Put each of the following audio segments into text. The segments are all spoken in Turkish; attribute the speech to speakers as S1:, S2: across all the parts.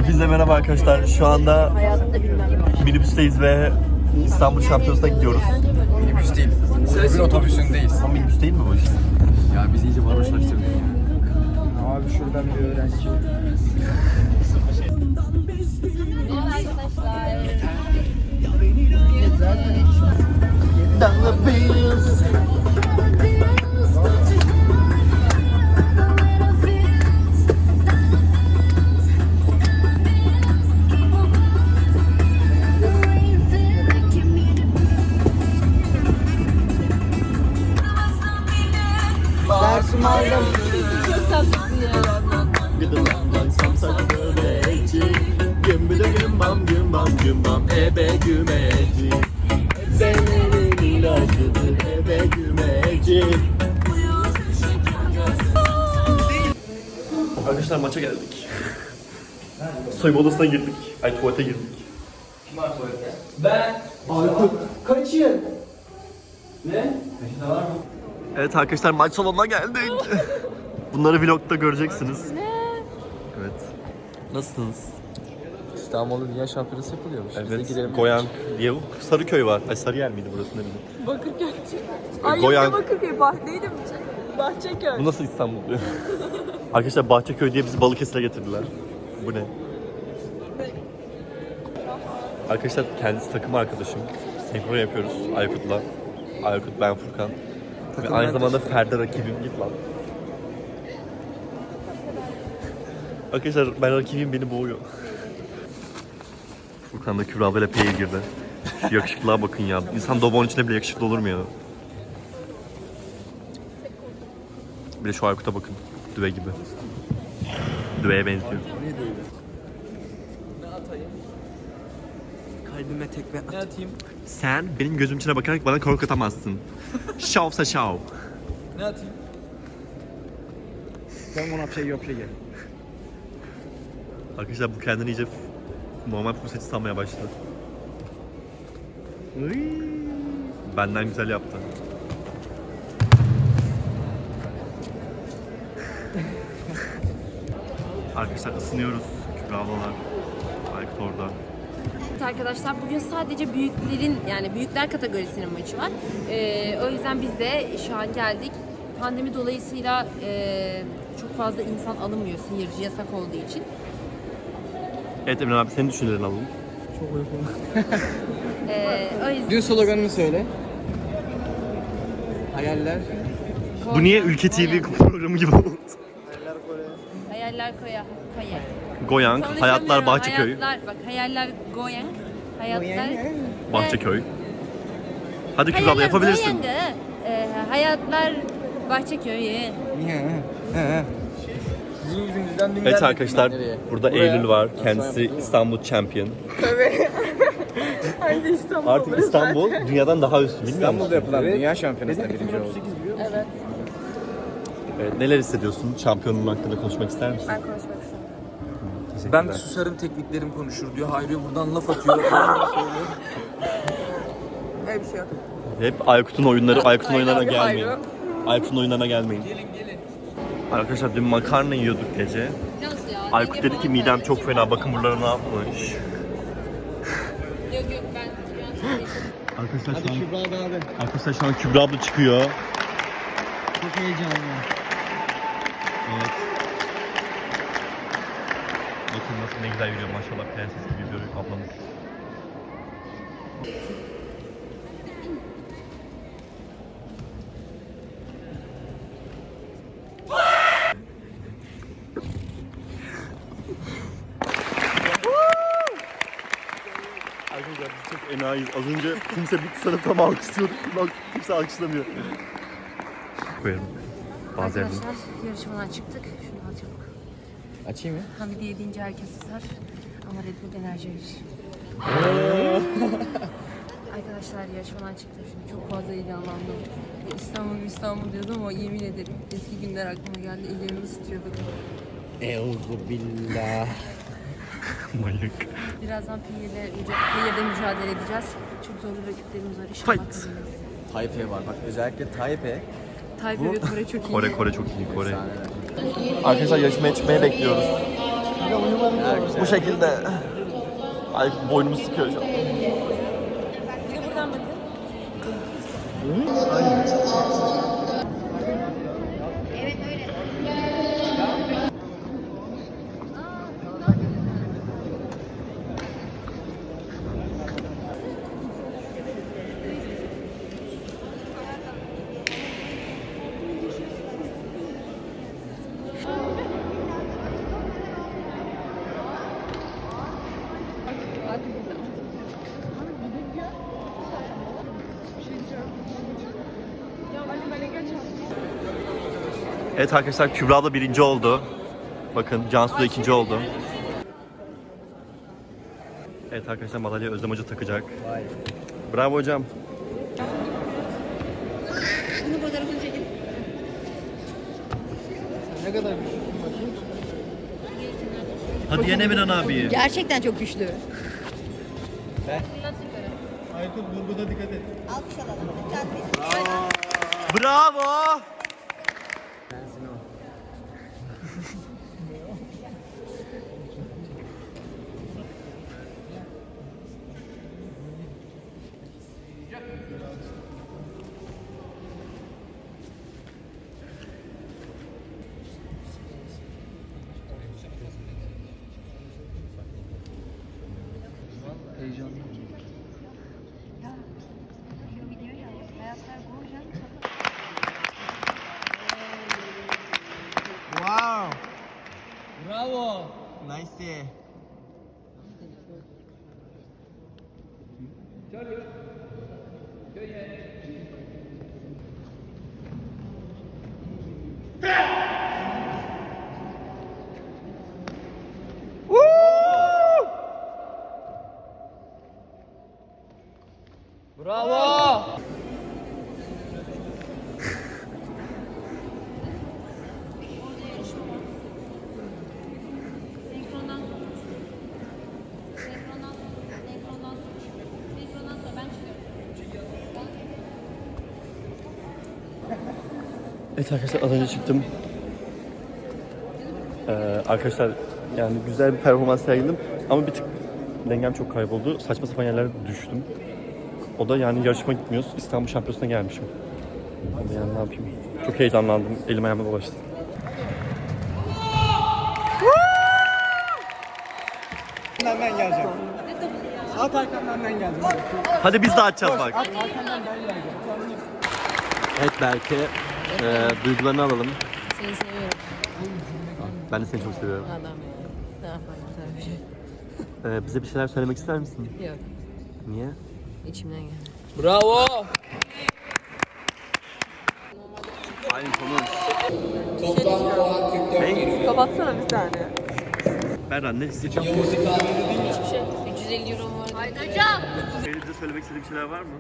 S1: Hepinize merhaba arkadaşlar. Şu anda minibüsteyiz ve İstanbul Şampiyonası'na gidiyoruz.
S2: Minibüs değil. Bugün otobüsündeyiz.
S1: Ama minibüs değil mi bu iş?
S2: Ya bizi iyice varoşlaştırdın ya. Abi şuradan bir öğrenci. Dersimi aldım.
S3: Çok tatlısın ya.
S1: Gıdılandan samsak börekçi, gümbüdü gümbam gümbam gümbam ebe gümeci. Ebelerin ilacıdır ebe gümeci. Arkadaşlar maça geldik. Soyunma odasına girdik. Ay tuvalete girdik.
S2: Kim var tuvalette? Ben. Aykut. Kaçın. Ne? Peşinde var mı?
S1: Evet arkadaşlar maç salonuna geldik. Bunları vlogda göreceksiniz. Evet. Nasılsınız?
S2: İstanbul'da Dünya Şampiyonası yapılıyormuş. Biz de
S1: Evet.
S2: girelim.
S1: Goyan diye Sarıköy var. Ay Sarıyer miydi burası ne bileyim.
S3: Bakırköy. Ay
S1: Goyan-
S3: yok Bakırköy. Neydi mi? Bahçeköy.
S1: Bu nasıl İstanbul diyor? Arkadaşlar Bahçeköy diye bizi Balıkesir'e getirdiler. Bu ne? Arkadaşlar kendisi takım arkadaşım. Senkron yapıyoruz Aykut'la. Aykut, ben Furkan. Ve aynı zamanda Ferda rakibim. Git lan. Arkadaşlar ben rakibim beni boğuyor. Furkan da Kübra ablayla P'ye girdi. Şu yakışıklığa bakın ya. İnsan Dobon içinde bile yakışıklı olur mu ya? Bir de şu Aykut'a bakın. Düve gibi. Düveye benziyor.
S2: Kalbime tekme at. Ne atayım?
S1: Sen benim gözüm içine bakarak bana korkutamazsın. Şovsa şov.
S2: Ne atayım? Ben buna bir şey yok şey gel.
S1: Arkadaşlar bu kendini iyice normal puseti sanmaya başladı. Benden güzel yaptı. Arkadaşlar ısınıyoruz. Kübra ablalar. Aykut orada.
S3: Evet arkadaşlar bugün sadece büyüklerin yani büyükler kategorisinin maçı var. O yüzden biz de şu an geldik. Pandemi dolayısıyla çok fazla insan alınmıyor seyirci yasak olduğu için.
S1: Evet Emre abi senin düşüncelerini alalım.
S2: Çok uykum.
S3: O yüzden
S2: Dün sloganını söyle. Hayaller.
S1: Bu niye Ülke TV programı gibi oldu?
S3: Hayaller koya.
S1: Goyang,
S3: Sonra
S1: Hayatlar
S3: söylemiyorum,
S1: Bahçeköy.
S3: Hayatlar, bak hayaller Goyang. Hayatlar
S1: Bahçeköy. Hadi Kübra abla yapabilirsin.
S3: Goyang'ı, hayatlar Bahçeköy'ü.
S2: Sizin yüzünüzden dün
S1: Evet
S2: geldik.
S1: arkadaşlar
S2: Nereye?
S1: burada
S2: Buraya.
S1: Eylül var.
S2: Sonra
S1: Kendisi
S2: yapalım.
S1: İstanbul Champion.
S3: Hadi İstanbul.
S1: Artık İstanbul dünyadan daha üstün bilmiyor musun?
S2: İstanbul'da yapılan Dünya Şampiyonası'nda birinci oldu.
S3: Evet.
S1: Evet, neler hissediyorsun? Şampiyonluğun hakkında konuşmak ister misin?
S3: Ben konuşmak istiyorum.
S2: Ben susarım tekniklerim konuşur diyor. Hayri buradan laf atıyor.
S3: Öyle bir şey yok.
S1: Hep Aykut'un oyunları, Aykut'un
S3: Aynen
S1: oyunlarına
S3: abi,
S1: gelmeyin.
S3: hayır.
S1: Aykut'un oyunlarına gelmeyin.
S2: Gelin gelin.
S1: Arkadaşlar dün makarna yiyorduk gece. Aykut dedi ki midem çok fena, bakın buralara ne yapmış.
S3: Yok ben
S1: Arkadaşlar
S2: Hadi Kübra abi.
S1: Arkadaşlar şu an Kübra abla çıkıyor.
S2: Çok heyecanlı.
S1: Evet. Bakın nasıl ne güzel yürüyor maşallah, prenses gibi yürüyor ablamız. Arkadaşlar biz çok enayiyiz. Az önce kimse bir sınıfta alkışlıyorduk. Bak kimse alkışlamıyor. Koyarım. Bazı yerden.
S3: Arkadaşlar yarışmadan çıktık. Şunu al çabuk.
S2: Açayım mı?
S3: Hamidi deyince herkes susar. Ama Red Bull enerji verir. Arkadaşlar yarışmadan çıktım şimdi. Çok fazla heyecanlandım. İstanbul diyordum ama yemin ederim eski günler aklıma geldi. Ellerimi ısıtıyorduk.
S2: Euzubillah.
S1: Manyak.
S3: Birazdan P'yle mücadele edeceğiz. Çok zorlu rakiplerimiz var. İnşallah
S1: Fight.
S3: kazanırız.
S2: Taipei var bak, özellikle Taipei.
S3: Taipei ve Kore çok iyi.
S1: Kore çok iyi. Kore.
S2: Efsaneler.
S1: Arkadaşlar yarışmaya çıkmaya bekliyoruz. Bu şekilde. Ay boynumu sıkıyor şu an.
S3: Bir de buradan bakın.
S1: Evet arkadaşlar, Kübra da birinci oldu. Bakın Cansu da ikinci oldu. Evet arkadaşlar, madalya Özlem Hoca takacak. Bravo hocam.
S3: Bunu fotoğrafını çekin.
S2: Ne kadar güçlü bakayım.
S1: Hadi yene Miran abi.
S3: Gerçekten çok güçlü.
S2: Aykut vurguda dikkat et.
S4: Alkış alalım.
S1: Bravo.
S2: Heyecanlı. Wow. Bravo. Nice. Bravo.
S3: Senkrondan. Senkrondan sonra ben çıkıyorum.
S1: Evet arkadaşlar, az önce çıktım. Arkadaşlar yani güzel bir performans sergiledim ama bir tık dengem çok kayboldu. Saçma sapan yerlere düştüm. O da yani yarışma gitmiyoruz. İstanbul Şampiyonası'na gelmişim. Ama yani ne yapayım? Çok heyecanlandım. Elim ayağıma dolaştı.
S2: Ben geleceğim. At arkamdan ben geleceğim.
S1: Hadi biz de açacağız bak.
S2: At arkamdan ben geleceğim.
S1: Evet belki duygularını alalım.
S3: Seni seviyorum.
S1: Ben de seni çok seviyorum.
S3: Adam ya. Ne yapayım güzel bir şey.
S1: Bize bir şeyler söylemek ister misin?
S3: Yok.
S1: Niye?
S3: İçimden geldi.
S2: Bravo.
S1: Aynı konu.
S3: Kapatsana bir saniye.
S1: Berran ne hissediyorsun?
S3: Hiçbir şey. 350 euro mu var? Haydi hocam.
S1: Bize söylemek istediğin bir şeyler var mı?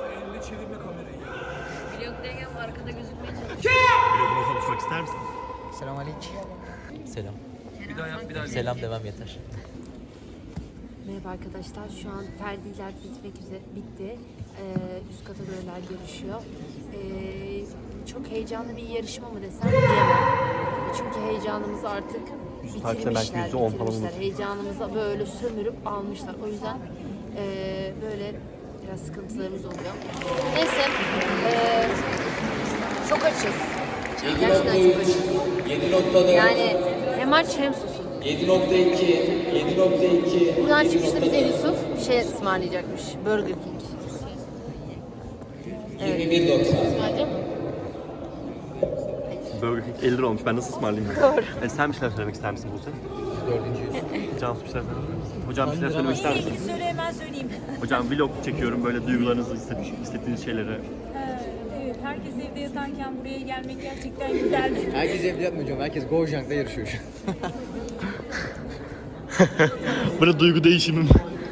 S3: Vlogdayken arkada gözükmeye çalışıyorum.
S1: Vloguma konuşmak ister misin?
S2: Selamünaleyküm.
S5: Selam.
S2: Bir daha yap, bir daha.
S5: Selam demem yeter.
S3: Merhaba arkadaşlar. Şu an Ferdiler bitti. Üst kategoriler yarışıyor. Çok heyecanlı bir yarışma mı desem diyemem. Çünkü heyecanımızı artık
S1: Takipte belki
S3: bitirmişler.
S1: %10 falan olur.
S3: Heyecanımıza böyle sömürüp almışlar. O yüzden böyle biraz sıkıntılarımız oluyor. Neyse. Çok açız. Gerçekten çok açız.
S6: 7.4,
S3: Yani hem aç hem susuz.
S6: 7.2, 7.2.
S3: Buradan çıkışta bize Yusuf şey ısmarlayacakmış. Burger King. Evet.
S6: 21.90.
S3: Ismarlayacak mı?
S1: Burger King 50 lira olmuş. Ben nasıl ısmarlayayım? Doğru. Sen bir şeyler söylemek ister misin Buse? Cansu bir şeyler söylemek ister misin? Hocam bir şeyler söylemek ister misin?
S7: Söyle hemen söyleyeyim.
S1: Hocam vlog çekiyorum. Böyle duygularınızı, hissettiğiniz şeyleri.
S7: Evet, herkes evde yatarken buraya gelmek gerçekten güzeldi.
S2: Herkes evde yapmıyor hocam. Herkes Gojank'ta yarışıyor şu an.
S1: Böyle duygu değişimim.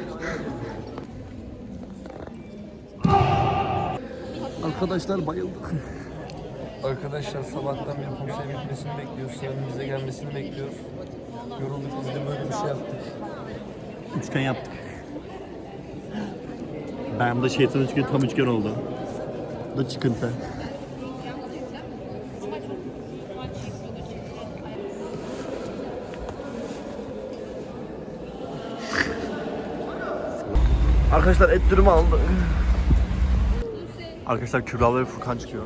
S1: Arkadaşlar bayıldık.
S8: Arkadaşlar sabahtan beri konser bitmesini bekliyoruz. Sıranın bize gelmesini bekliyoruz. Yorulduk, biz de böyle bir şey yaptık.
S1: Üçgen yaptık. Ben de şeytanın üçgeni tam üçgen oldu. Bu da çıkıntı. Arkadaşlar et dürümü aldı. Arkadaşlar Kübra ve Furkan çıkıyor.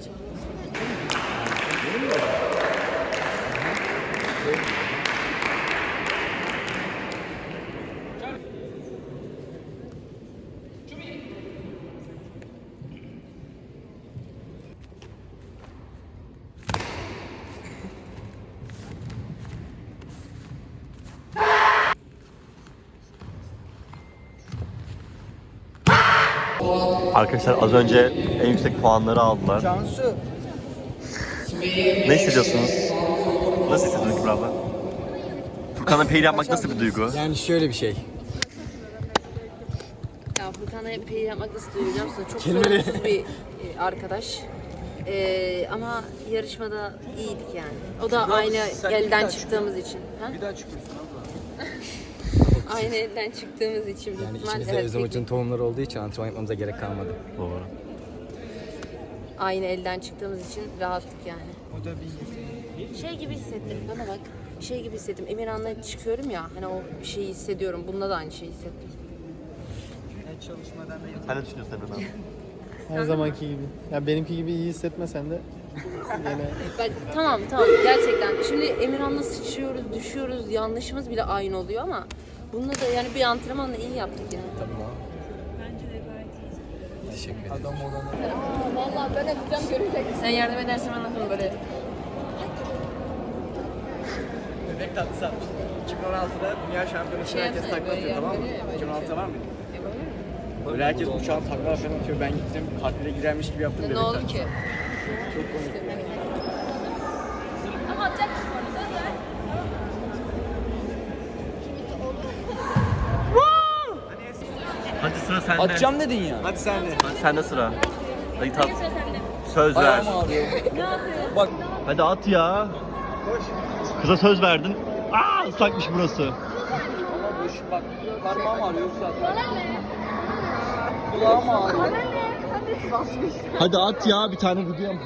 S1: Arkadaşlar az önce en yüksek puanları aldılar.
S2: Cansu.
S1: Ne hissediyorsunuz? Nasıl hissediyorsunuz Kübra abla? Furkan'la peyir yapmak nasıl bir duygu?
S2: Yani şöyle bir şey.
S3: Ya Furkan'la peyir yapmak nasıl duyuyor musun? Çok
S2: Kelimeleri-
S3: sorunsuz bir arkadaş. Ama yarışmada iyiydik yani. O da aynı elden çıktığımız için. Ha?
S2: Bir daha çıkıyorsun abla.
S3: Aynı elden çıktığımız için. büyük
S2: Yani
S3: ihtimal
S2: içimizde
S3: evet,
S2: Özümcü'nün tohumları olduğu için antrenman yapmamıza gerek kalmadı.
S1: Doğru.
S3: aynı elden çıktığımız için rahattık yani. Şey gibi hissettim, bana bak. Şey gibi hissettim. Emirhan'la çıkıyorum ya, hani o bir şeyi hissediyorum. Bunda da aynı şeyi hissettim.
S1: Sen ne düşünüyorsun Emre abi?
S5: Her zamanki gibi. Ya benimki gibi iyi hissetmesen de gene
S3: Bak, tamam gerçekten. Şimdi Emirhan'la sıçıyoruz, düşüyoruz, yanlışımız bile aynı oluyor ama bunda da yani bir antrenmanla iyi yaptık yani.
S2: Tamam.
S7: Bence de gayet iyi.
S2: Teşekkür ederim.
S8: Adam olana.
S3: Vallahi ben yapacağım, görecek. Sen yardım edersen ben nasıl böyle.
S2: Bebek tatlısı yapmıştım. 2016'da dünya şampiyonası
S3: Şey
S2: herkes
S3: yapsana,
S2: takla
S3: böyle
S2: atıyor, tamam mı?
S3: yapıyor ya, böyle
S2: 2016'da var mıydı?
S3: Yapabilir miyim?
S2: Böyle herkes uçağın takla falan atıyor. Ben gittim kalpine girermiş gibi yaptım.
S3: Ne
S2: bebek
S3: oldu
S2: tatlısı.
S3: ki?
S2: Çok komik.
S7: Ama atacak mısın onu? Söz ver.
S1: Hadi sıra sende.
S2: Atacağım dedin ya. Hadi sen de.
S1: Hadi sende sıra. Hadi tat.
S7: Sıra sende.
S1: Söz ver.
S2: Ayağım ağrıyor.
S7: Ne yapıyorsun?
S2: Bak.
S1: Hadi at ya. Kıza söz verdin. Aa ıslakmış burası.
S2: Ama boş bak. Parmağım ağrıyor zaten. Kulağım ağrıyor.
S1: Hadi at ya bir tane vuracağım.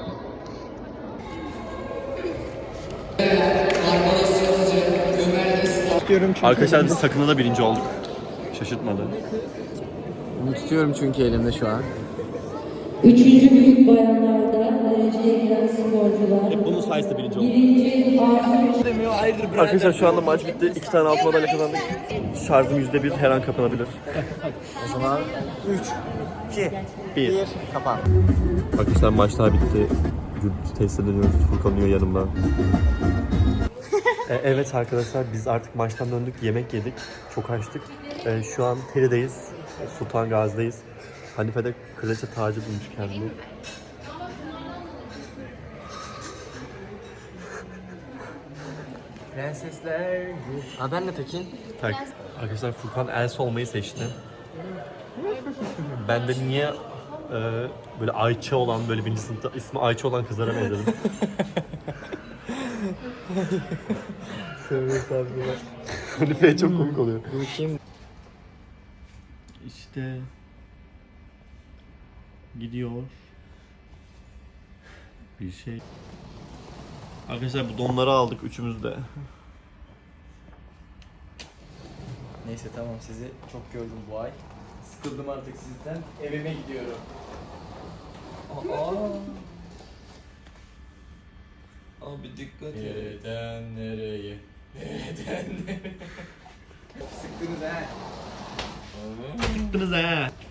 S1: Arkadaşlar biz sakında da birinci olduk. Şaşırtmadı.
S2: Bunu tutuyorum çünkü elimde şu an.
S9: Üçüncü büyük bayanlarda dereceye giren sporcular.
S1: Hep bunun sayesinde birinci olduk.
S9: Birinci Artur
S1: Arkadaşlar şu anda maç bitti. 2 tane altın madalya kazandık. Şarjım %1, her an kapanabilir.
S2: O zaman 3, 2,
S1: 1.
S2: kapan.
S1: Arkadaşlar maçlar bitti. Tesise dönüyoruz. Furkan uyuyor yanımda. Evet arkadaşlar biz artık maçtan döndük. Yemek yedik. Çok açtık. Şu an Teri'deyiz. Sultan Gazi'deyiz. Hanife de kraliçe tacı bulmuş kendini.
S2: Prensesler. Aa ben de Tekin.
S1: Tak. Arkadaşlar Furkan Elsa olmayı seçti. Ben de niye böyle Ayça olan, böyle birinci sınıfta ismi Ayça olan kızlara benzedim. Hanife'ye çok komik oluyor.
S2: Bu kim?
S1: İşte gidiyor bir şey. Arkadaşlar bu donları aldık üçümüz de.
S2: Neyse tamam sizi çok gördüm bu ay. Sıkıldım artık sizden. Evime gidiyorum.
S8: Abi dikkat et.
S2: Nereden nereye? Nereden nereye? Sıktınız ha.
S1: Sıktınız ha.